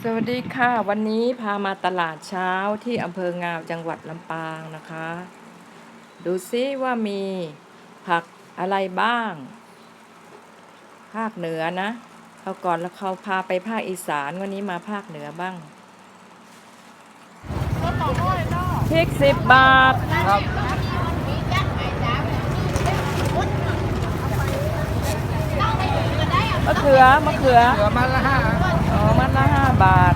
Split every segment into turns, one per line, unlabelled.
สวัสดีค่ะวันนี้พามาตลาดเช้าที่อำเภองาวจังหวัดลำปางนะคะดูซิว่ามีผักอะไรบ้างภาคเหนือนะเขาก่อนแล้วเขาพาไปภาคอีสานวันนี้มาภาคเหนือบ้างพริก10 บาท
ครับ
มะเขือ
เหลือมัดละห้า
อ๋อมัดละ5 บาท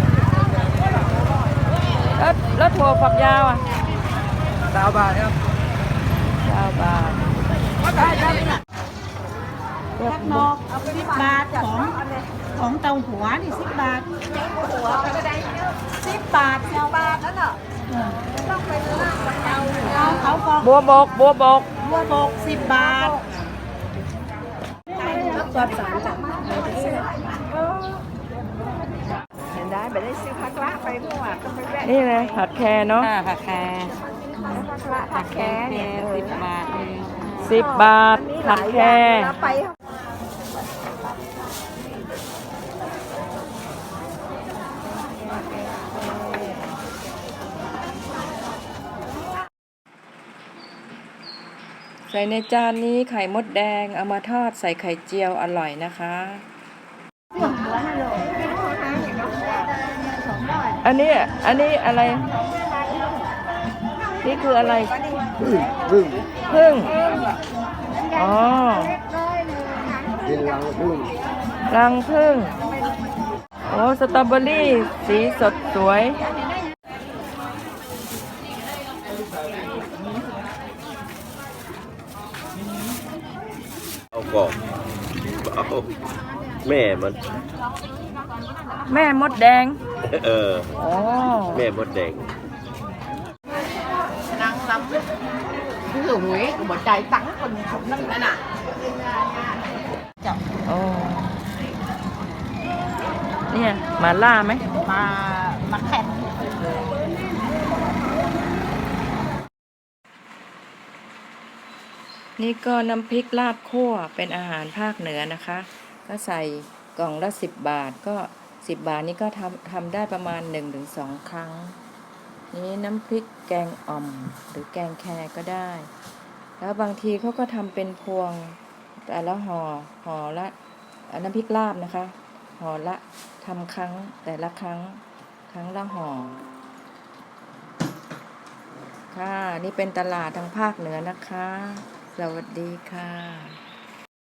แล้วถั่วฝักยาวอ่ะ
20 บาทครับ
9 บาท
แคบนอก10 บาทของเตาหัวนี่10 บาทหัวก็ได้10 บาทนั่นน่ะต้องไปซื้อเขาบอก
บัวบก
บัวบก10 บาทจอดสารจังเห็นได้ไปได้ซื้อผักละไปเมื่อวานก็ไปแวะ
นี่เลยผัดแครเนาะ
ผักแคผักแคเนี่ย10 บาทเอง
10 บาทผัดแครใส่ในจานนี้ไข่มดแดงเอามาทอดใส่ไข่เจียวอร่อยนะคะอันนี้อะไรนี่คืออะไรพึ่งอ๋อ
เป็นรังผึ้ง
รังพึ่งโอ้สตรอเบอรี่สีสดสวย
เอากรอบเอาแม่มัน
แม่มดแดง
เออ
อ๋อ
แม่มดแดง
nắng lắm ví dụ Huế của bọn trai tặng còn không nâng nữa nè
โอ้เนี่ยมาล่าไหม
มาแข่ง
นี่ก็น้ำพริกลาบคั่วเป็นอาหารภาคเหนือนะคะก็ใส่กล่องละ10 บาทก็10 บาทนี้ก็ทำได้ประมาณ1-2 ครั้งนี้น้ำพริกแกงอ่อมหรือแกงแคก็ได้แล้วบางทีเขาก็ทำเป็นพวงแต่ละห่อละน้ำพริกลาบนะคะห่อละทำแต่ละครั้งละห่อค่ะนี่เป็นตลาดทางภาคเหนือนะคะสวัสดีค่ะ